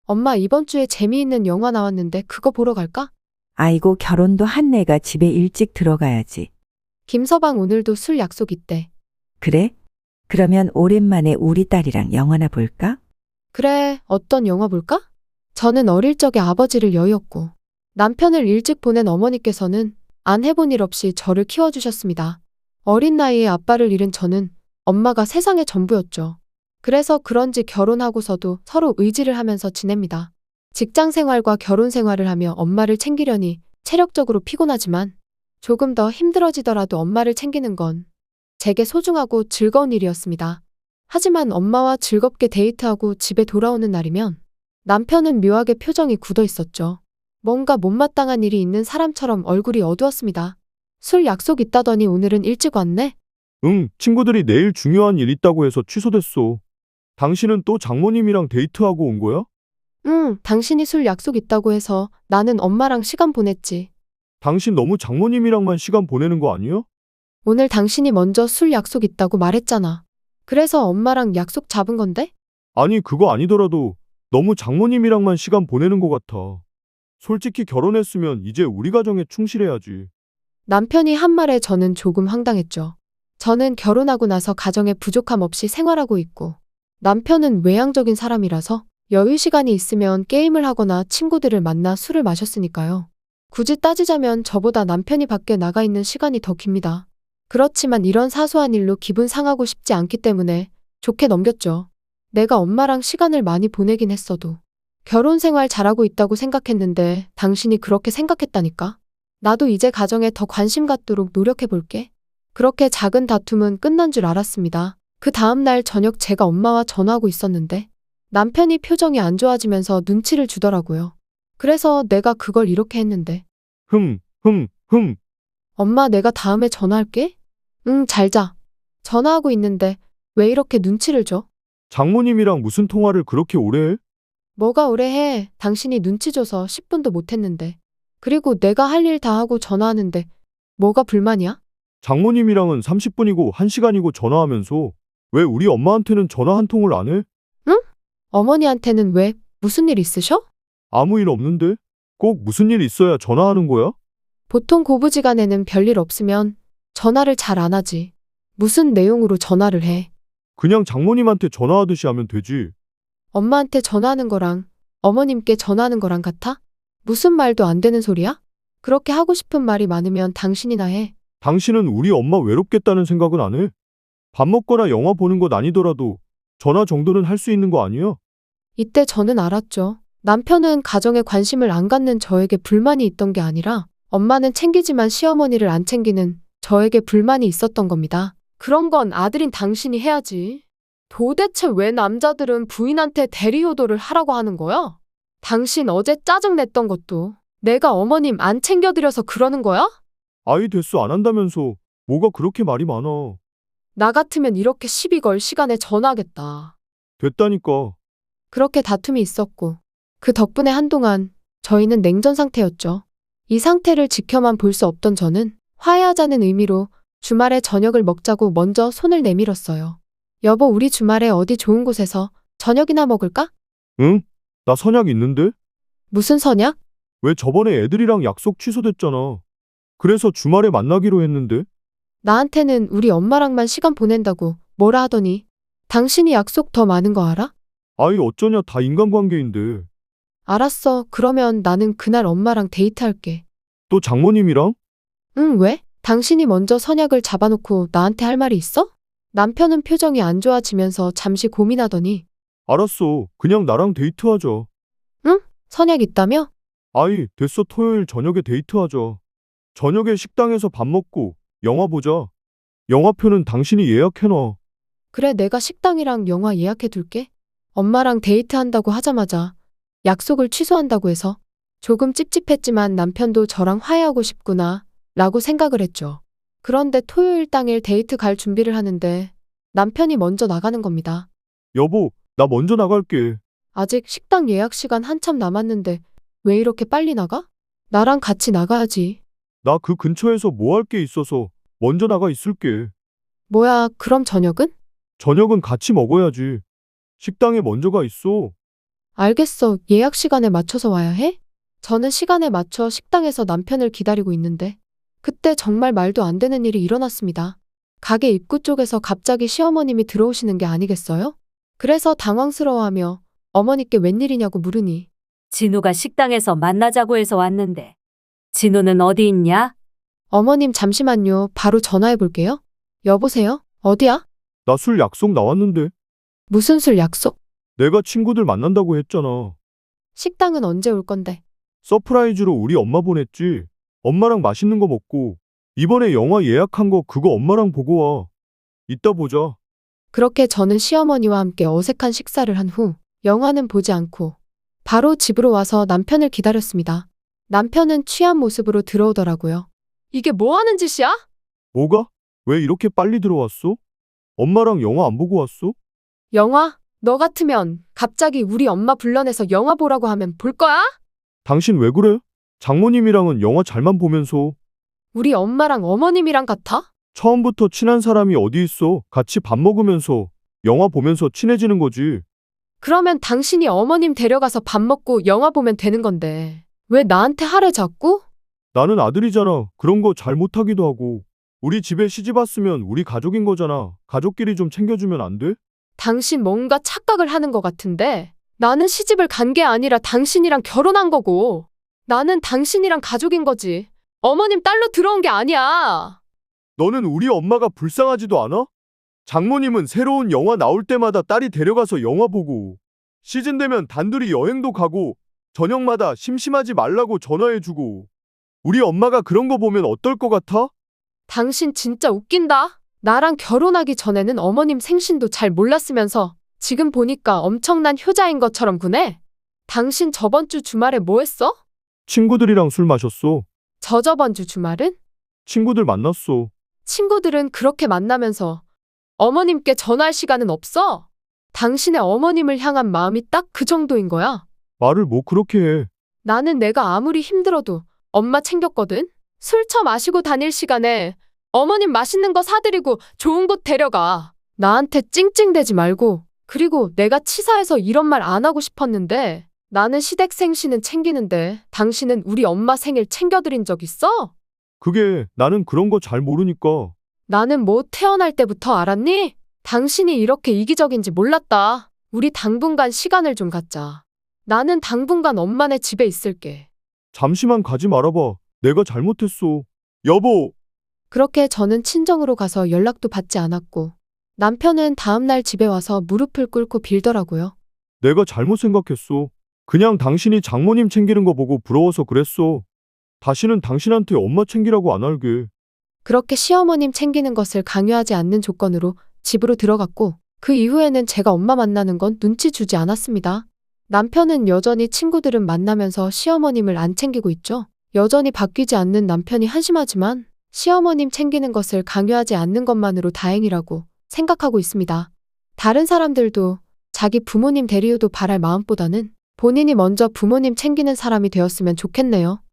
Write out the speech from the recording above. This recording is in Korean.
엄마 이번 주에 재미있는 영화 나왔는데 그거 보러 갈까? 아이고, 결혼도 한 내가 집에 일찍 들어가야지. 김서방 오늘도 술 약속 있대. 그래? 그러면 오랜만에 우리 딸이랑 영화나 볼까? 그래, 어떤 영화 볼까? 저는 어릴 적에 아버지를 여의었고 남편을 일찍 보낸 어머니께서는 안 해본 일 없이 저를 키워주셨습니다. 어린 나이에 아빠를 잃은 저는 엄마가 세상의 전부였죠. 그래서 그런지 결혼하고서도 서로 의지를 하면서 지냅니다. 직장 생활과 결혼 생활을 하며 엄마를 챙기려니 체력적으로 피곤하지만 조금 더 힘들어지더라도 엄마를 챙기는 건 제게 소중하고 즐거운 일이었습니다. 하지만 엄마와 즐겁게 데이트하고 집에 돌아오는 날이면 남편은 묘하게 표정이 굳어 있었죠. 뭔가 못마땅한 일이 있는 사람처럼 얼굴이 어두웠습니다. 술 약속 있다더니 오늘은 일찍 왔네? 응, 친구들이 내일 중요한 일 있다고 해서 취소됐어. 당신은 또 장모님이랑 데이트하고 온 거야? 응, 당신이 술 약속 있다고 해서 나는 엄마랑 시간 보냈지. 당신 너무 장모님이랑만 시간 보내는 거 아니야? 오늘 당신이 먼저 술 약속 있다고 말했잖아. 그래서 엄마랑 약속 잡은 건데? 아니, 그거 아니더라도 너무 장모님이랑만 시간 보내는 것 같아. 솔직히 결혼했으면 이제 우리 가정에 충실해야지. 남편이 한 말에 저는 조금 황당했죠. 저는 결혼하고 나서 가정에 부족함 없이 생활하고 있고 남편은 외향적인 사람이라서 여유 시간이 있으면 게임을 하거나 친구들을 만나 술을 마셨으니까요. 굳이 따지자면 저보다 남편이 밖에 나가 있는 시간이 더 깁니다. 그렇지만 이런 사소한 일로 기분 상하고 싶지 않기 때문에 좋게 넘겼죠. 내가 엄마랑 시간을 많이 보내긴 했어도 결혼 생활 잘하고 있다고 생각했는데 당신이 그렇게 생각했다니까? 나도 이제 가정에 더 관심 갖도록 노력해 볼게. 그렇게 작은 다툼은 끝난 줄 알았습니다. 그 다음날 저녁 제가 엄마와 전화하고 있었는데 남편이 표정이 안 좋아지면서 눈치를 주더라고요. 그래서 내가 그걸 이렇게 했는데 흠, 흠, 흠. 엄마 내가 다음에 전화할게? 응, 잘 자. 전화하고 있는데 왜 이렇게 눈치를 줘? 장모님이랑 무슨 통화를 그렇게 오래 해? 뭐가 오래 해? 당신이 눈치 줘서 10분도 못 했는데. 그리고 내가 할 일 다 하고 전화하는데 뭐가 불만이야? 장모님이랑은 30분이고 1시간이고 전화하면서 왜 우리 엄마한테는 전화 한 통을 안 해? 응? 어머니한테는 왜 무슨 일 있으셔? 아무 일 없는데? 꼭 무슨 일 있어야 전화하는 거야? 보통 고부지간에는 별일 없으면 전화를 잘 안 하지. 무슨 내용으로 전화를 해? 그냥 장모님한테 전화하듯이 하면 되지. 엄마한테 전화하는 거랑 어머님께 전화하는 거랑 같아? 무슨 말도 안 되는 소리야? 그렇게 하고 싶은 말이 많으면 당신이나 해. 당신은 우리 엄마 외롭겠다는 생각은 안 해? 밥 먹거나 영화 보는 것 아니더라도 전화 정도는 할 수 있는 거 아니야? 이때 저는 알았죠. 남편은 가정에 관심을 안 갖는 저에게 불만이 있던 게 아니라 엄마는 챙기지만 시어머니를 안 챙기는 저에게 불만이 있었던 겁니다. 그런 건 아들인 당신이 해야지. 도대체 왜 남자들은 부인한테 대리효도를 하라고 하는 거야? 당신 어제 짜증냈던 것도 내가 어머님 안 챙겨드려서 그러는 거야? 아이 됐어 안 한다면서 뭐가 그렇게 말이 많아. 나 같으면 이렇게 시비 걸 시간에 전화하겠다. 됐다니까. 그렇게 다툼이 있었고 그 덕분에 한동안 저희는 냉전 상태였죠. 이 상태를 지켜만 볼 수 없던 저는 화해하자는 의미로 주말에 저녁을 먹자고 먼저 손을 내밀었어요. 여보, 우리 주말에 어디 좋은 곳에서 저녁이나 먹을까? 응? 나 선약 있는데? 무슨 선약? 왜 저번에 애들이랑 약속 취소됐잖아. 그래서 주말에 만나기로 했는데? 나한테는 우리 엄마랑만 시간 보낸다고 뭐라 하더니 당신이 약속 더 많은 거 알아? 아이 어쩌냐 다 인간관계인데. 알았어. 그러면 나는 그날 엄마랑 데이트할게. 또 장모님이랑? 응, 왜? 당신이 먼저 선약을 잡아놓고 나한테 할 말이 있어? 남편은 표정이 안 좋아지면서 잠시 고민하더니 알았어. 그냥 나랑 데이트하자. 응? 선약 있다며? 아이 됐어 토요일 저녁에 데이트하자. 저녁에 식당에서 밥 먹고 영화 보자. 영화표는 당신이 예약해놔. 그래, 내가 식당이랑 영화 예약해 둘게. 엄마랑 데이트한다고 하자마자 약속을 취소한다고 해서 조금 찝찝했지만 남편도 저랑 화해하고 싶구나 라고 생각을 했죠. 그런데 토요일 당일 데이트 갈 준비를 하는데 남편이 먼저 나가는 겁니다. 여보 나 먼저 나갈게. 아직 식당 예약 시간 한참 남았는데 왜 이렇게 빨리 나가? 나랑 같이 나가야지. 나 그 근처에서 뭐 할 게 있어서 먼저 나가 있을게. 뭐야, 그럼 저녁은? 저녁은 같이 먹어야지. 식당에 먼저 가 있어. 알겠어. 예약 시간에 맞춰서 와야 해? 저는 시간에 맞춰 식당에서 남편을 기다리고 있는데 그때 정말 말도 안 되는 일이 일어났습니다. 가게 입구 쪽에서 갑자기 시어머님이 들어오시는 게 아니겠어요? 그래서 당황스러워하며 어머니께 웬일이냐고 물으니 진우가 식당에서 만나자고 해서 왔는데. 진우는 어디 있냐? 어머님 잠시만요. 바로 전화해 볼게요. 여보세요? 어디야? 나 술 약속 나왔는데. 무슨 술 약속? 내가 친구들 만난다고 했잖아. 식당은 언제 올 건데? 서프라이즈로 우리 엄마 보냈지. 엄마랑 맛있는 거 먹고. 이번에 영화 예약한 거 그거 엄마랑 보고 와. 이따 보자. 그렇게 저는 시어머니와 함께 어색한 식사를 한 후 영화는 보지 않고 바로 집으로 와서 남편을 기다렸습니다. 남편은 취한 모습으로 들어오더라고요. 이게 뭐 하는 짓이야? 뭐가? 왜 이렇게 빨리 들어왔어? 엄마랑 영화 안 보고 왔어? 영화? 너 같으면 갑자기 우리 엄마 불러내서 영화 보라고 하면 볼 거야? 당신 왜 그래? 장모님이랑은 영화 잘만 보면서. 우리 엄마랑 어머님이랑 같아? 처음부터 친한 사람이 어디 있어? 같이 밥 먹으면서 영화 보면서 친해지는 거지. 그러면 당신이 어머님 데려가서 밥 먹고 영화 보면 되는 건데 왜 나한테 하래 자꾸? 나는 아들이잖아. 그런 거 잘 못하기도 하고. 우리 집에 시집 왔으면 우리 가족인 거잖아. 가족끼리 좀 챙겨주면 안 돼? 당신 뭔가 착각을 하는 것 같은데 나는 시집을 간 게 아니라 당신이랑 결혼한 거고 나는 당신이랑 가족인 거지. 어머님 딸로 들어온 게 아니야. 너는 우리 엄마가 불쌍하지도 않아? 장모님은 새로운 영화 나올 때마다 딸이 데려가서 영화 보고 시즌 되면 단둘이 여행도 가고 저녁마다 심심하지 말라고 전화해주고 우리 엄마가 그런 거 보면 어떨 것 같아? 당신 진짜 웃긴다. 나랑 결혼하기 전에는 어머님 생신도 잘 몰랐으면서 지금 보니까 엄청난 효자인 것처럼 구네. 당신 저번 주 주말에 뭐 했어? 친구들이랑 술 마셨어. 저저번 주 주말은? 친구들 만났어. 친구들은 그렇게 만나면서 어머님께 전화할 시간은 없어? 당신의 어머님을 향한 마음이 딱 그 정도인 거야. 말을 뭐 그렇게 해. 나는 내가 아무리 힘들어도 엄마 챙겼거든? 술 처 마시고 다닐 시간에 어머님 맛있는 거 사드리고 좋은 곳 데려가. 나한테 찡찡대지 말고. 그리고 내가 치사해서 이런 말 안 하고 싶었는데 나는 시댁 생신은 챙기는데 당신은 우리 엄마 생일 챙겨드린 적 있어? 그게 나는 그런 거 잘 모르니까. 나는 뭐 태어날 때부터 알았니? 당신이 이렇게 이기적인지 몰랐다. 우리 당분간 시간을 좀 갖자. 나는 당분간 엄마네 집에 있을게. 잠시만 가지 말아봐. 내가 잘못했어. 여보, 그렇게 저는 친정으로 가서 연락도 받지 않았고 남편은 다음날 집에 와서 무릎을 꿇고 빌더라고요. 내가 잘못 생각했어. 그냥 당신이 장모님 챙기는 거 보고 부러워서 그랬어. 다시는 당신한테 엄마 챙기라고 안 할게. 그렇게 시어머님 챙기는 것을 강요하지 않는 조건으로 집으로 들어갔고 그 이후에는 제가 엄마 만나는 건 눈치 주지 않았습니다. 남편은 여전히 친구들은 만나면서 시어머님을 안 챙기고 있죠. 여전히 바뀌지 않는 남편이 한심하지만 시어머님 챙기는 것을 강요하지 않는 것만으로 다행이라고 생각하고 있습니다. 다른 사람들도 자기 부모님 대리효도 바랄 마음보다는 본인이 먼저 부모님 챙기는 사람이 되었으면 좋겠네요.